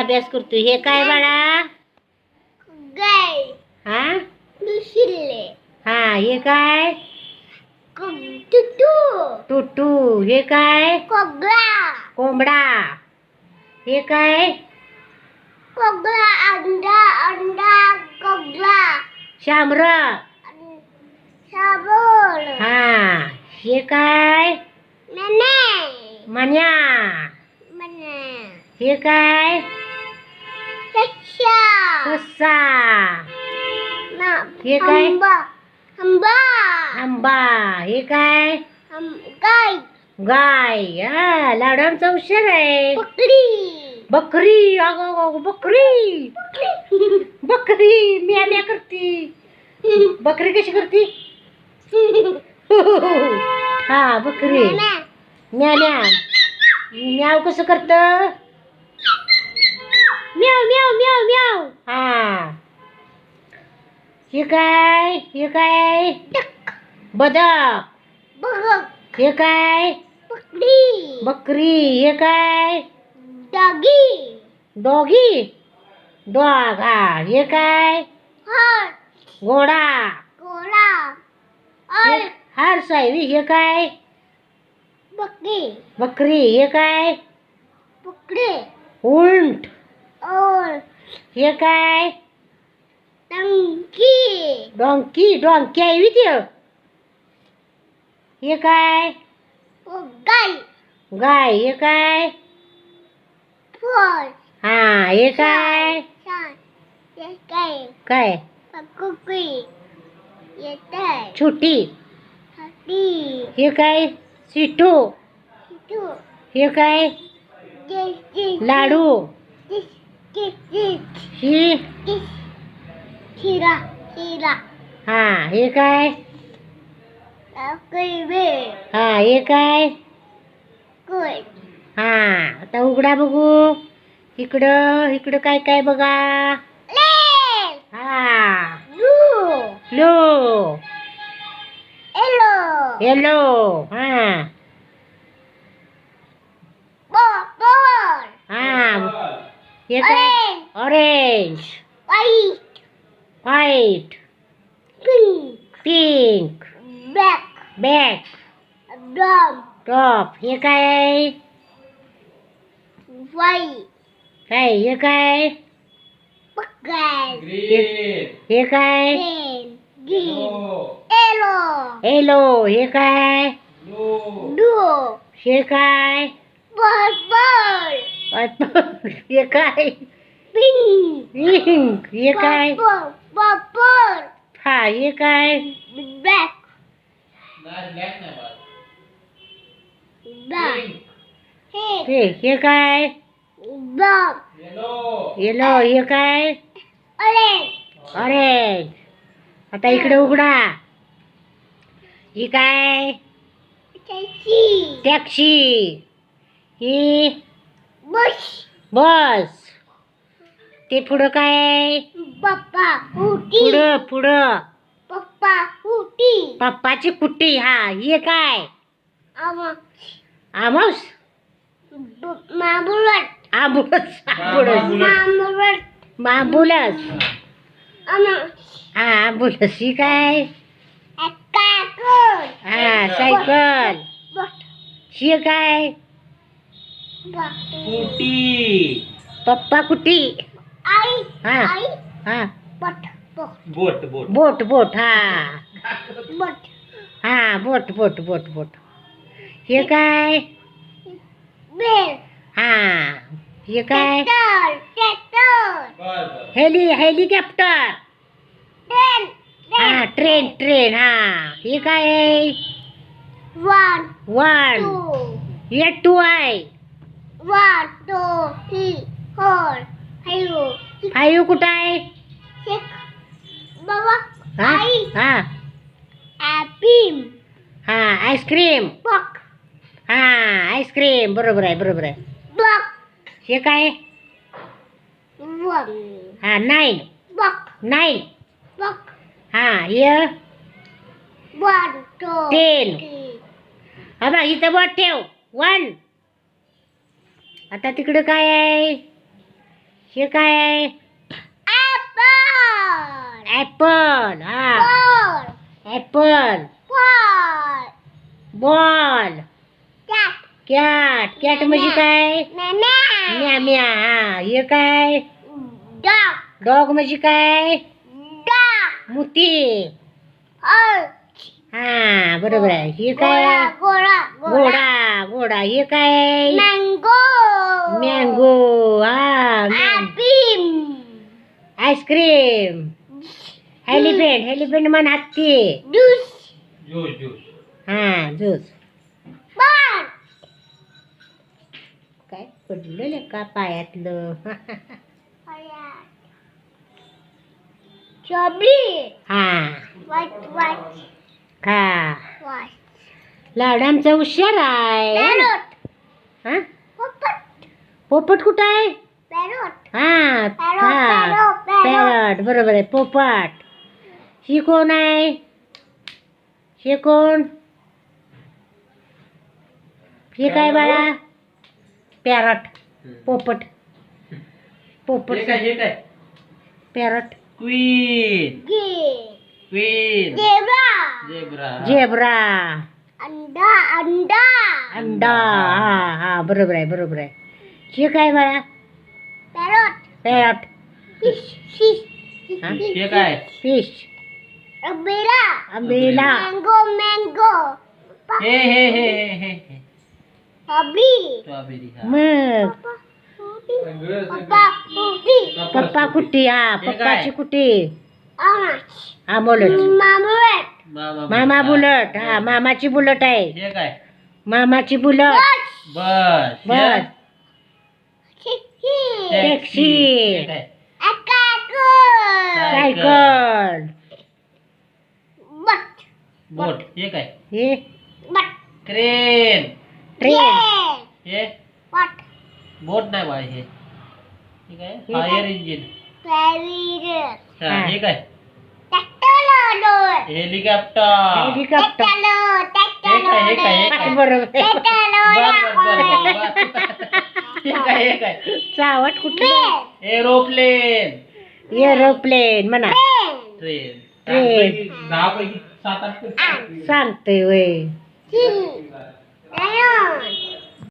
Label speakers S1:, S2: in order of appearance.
S1: अभ्यास करतो. हे काय बाळा?
S2: गाय.
S1: हा
S2: दुसरे.
S1: हा हे काय?
S2: टुटू.
S1: टुटू. हे काय?
S2: कोगळा.
S1: कोंबडा. हे काय?
S2: कोगळा. अंडा. अंडा. कोगळा.
S1: शामर.
S2: साबण.
S1: हा हे काय?
S2: मने.
S1: मन्या.
S2: मने.
S1: हे काय?
S2: सस्या.
S1: ससा.
S2: ना.
S1: हे काय?
S2: आंबा. आंबा.
S1: आंबा. हे काय?
S2: गाय.
S1: गाय. हा लाडांचा हुशार आहे.
S2: बकरी.
S1: बकरी. अगं बकरी. बकरी म्या म्या करती. बकरी कशी करती? हा बकरी. म्या म्या. म्याव कसं करत? म्याव म्याव म्याव म्याव. हा हे काय? हे काय? बदक.
S2: बघ.
S1: हे काय?
S2: बकरी.
S1: बकरी. हे काय?
S2: डॉगी.
S1: डॉगी. डॉग. हा हे काय?
S2: हॉर्स.
S1: घोडा.
S2: घोडा.
S1: हार्स आहे. हे काय?
S2: बकरी.
S1: बकरी. हे काय?
S2: बकरी.
S1: उंट.
S2: और.
S1: हे काय?
S2: टंकी.
S1: डॉंकी. डॉंकी आहे ते. हे काय?
S2: गाय.
S1: गाय. हे काय?
S2: फॉर.
S1: हा हे काय?
S2: काय?
S1: काय?
S2: कुकरी. येते.
S1: छोटी.
S2: हाती.
S1: हे काय? सिटू.
S2: टू.
S1: हे काय? लाडू. ही.
S2: खीरा. खीरा.
S1: हा हे काय?
S2: कैबे.
S1: हा हे काय?
S2: कुय.
S1: हा आता उघडा बघू. इकडं इकडं काय काय बघा. हा ब्लू.
S2: येलो.
S1: येलो. हा
S2: पर्पल.
S1: हा हे काय? Orange.
S2: White.
S1: White.
S2: Pink.
S1: Pink.
S2: Black.
S1: Back.
S2: Brown.
S1: Top. हे काय आहे?
S2: व्हाईट.
S1: काय हे काय?
S2: ग्रीन.
S1: हे काय?
S2: ग्रीन. येलो.
S1: येलो. हे काय?
S2: ब्लू.
S1: हे काय?
S2: पर्पल.
S1: हे काय?
S2: पिंक.
S1: पिंक. हे काय?
S2: पर्पल.
S1: हा हे काय?
S2: ब्लॅक. ब्लॅक.
S1: हे काय?
S2: ब्लॅक.
S1: येलो. हे काय?
S2: ऑरेंज.
S1: ऑरेंज. आता इकडे उघडा. ही काय? टॅक्सी. ही
S2: बस.
S1: बस. ते पुढं काय आहे?
S2: पप्पा. कुटी.
S1: पुढं पुढं.
S2: पप्पा. कुटी.
S1: पप्पाची कुट्टी. हा हे काय? आमोस.
S2: मामुलट.
S1: आंबुलस. आंबुलस.
S2: मामुलट.
S1: आंबुलस. हा आंबुलस. ही काय? हा सायकल. ही काय? पप्पा कुटी.
S2: आई.
S1: हा
S2: आई.
S1: हा
S2: बट.
S3: Boat boat
S1: boat boat. हा
S2: बट.
S1: हा बोट बोट बोट बोट. हे काय?
S2: बेल.
S1: हा हे काय?
S2: ट्रॅक्टर.
S1: हेलिकॉप्टर.
S2: ट्रेन.
S1: हा ट्रेन ट्रेन. हा हे काय आहे?
S2: 1
S1: वन.
S2: 2
S1: हे टू आहे.
S2: 1 2 3 4 5
S1: फाईव्ह कुठं आहे?
S2: 6 बाबा.
S1: हा
S2: आई.
S1: हा
S2: ॲपल.
S1: हा आईस्क्रीम.
S2: बक.
S1: हा आईस्क्रीम. बरोबर आहे बरोबर आहे.
S2: बक.
S1: हे काय?
S2: 1
S1: हा 9.
S2: बक.
S1: 9.
S2: बक.
S1: हा हे
S2: 1 2
S1: 10.
S2: 3
S1: हा बा इथं बोट ठेव. 1. आता तिकडं काय आहे? हे काय आहे?
S2: Apple.
S1: ऍपल. हा
S2: Ball.
S1: Apple.
S2: Ball.
S1: Ball.
S2: Cat.
S1: Cat. Cat म्हणजे काय?
S2: Mama.
S1: म्या म्या. हा हे काय?
S2: Dog.
S1: डॉग म्हणजे काय?
S2: Dog.
S1: मुती.
S2: Horse.
S1: हा बरोबर आहे. हे काय?
S2: Gora.
S1: घोडा. घोडा. हे काय?
S2: Mango.
S1: मँगो. हा
S2: Apple.
S1: आईस्क्रीम. एलिफंट. एलिफंट म्हण हत्ती.
S2: Juice.
S1: हा ज्यूस.
S2: Ball.
S1: काय पडलेलं का पायातलं?
S2: Strawberry.
S1: हा
S2: White.
S1: हा
S2: White.
S1: लाड आमचा हुशार आहे.
S2: Parrot.
S1: हा
S2: Poppet.
S1: पोपट कुठं आहे?
S2: Parrot.
S1: हा
S2: Parrot.
S1: पॅरट बरोबर आहे. पोपट. ही कोण आहे? हे कोण? हे काय बाळा? पॅरट. पोपट. पोपट. Parrot.
S3: Queen.
S2: Zebra.
S1: Zebra.
S2: Anda.
S1: अंडा. हा हा बरोबर आहे. हे काय बाळा?
S2: Parrot.
S1: Parrot.
S2: Fish.
S1: Huh? Fish.
S2: Umbrella.
S1: Umbrella.
S2: Mango. Strawberry.
S1: मग पप्पा कुट्टी. हा पप्पाची कुट्टी.
S2: Orange.
S1: हा बोलत.
S2: Marmalade.
S1: मामा बुलट. हा मामाची बुलट आहे. मामाची Bullet.
S3: Bus.
S1: Bus.
S2: Chicken.
S1: Taxi.
S2: Akaku.
S1: Cycle.
S2: Butt.
S3: Boat.
S1: हे
S2: Butt.
S3: क्रेन.
S1: ट्रेन.
S3: हे
S2: What?
S3: बोट नाही बाळ हे. ठीक आहे. Fire engine.
S2: Fairy.
S3: हा हे काय?
S2: Tractor.
S3: हेलिकॉप्टर.
S1: हेलिकॉप्टर.
S3: हे काय?
S1: बरोबर आहे.
S3: हे काय?
S1: चावट कुठली?
S3: एरोप्लेन.
S1: एरोप्लेन म्हणा.
S3: ट्रेन.
S1: ट्रेन.
S3: 10 पैकी 7-8
S1: सांगते वय.
S2: Lion.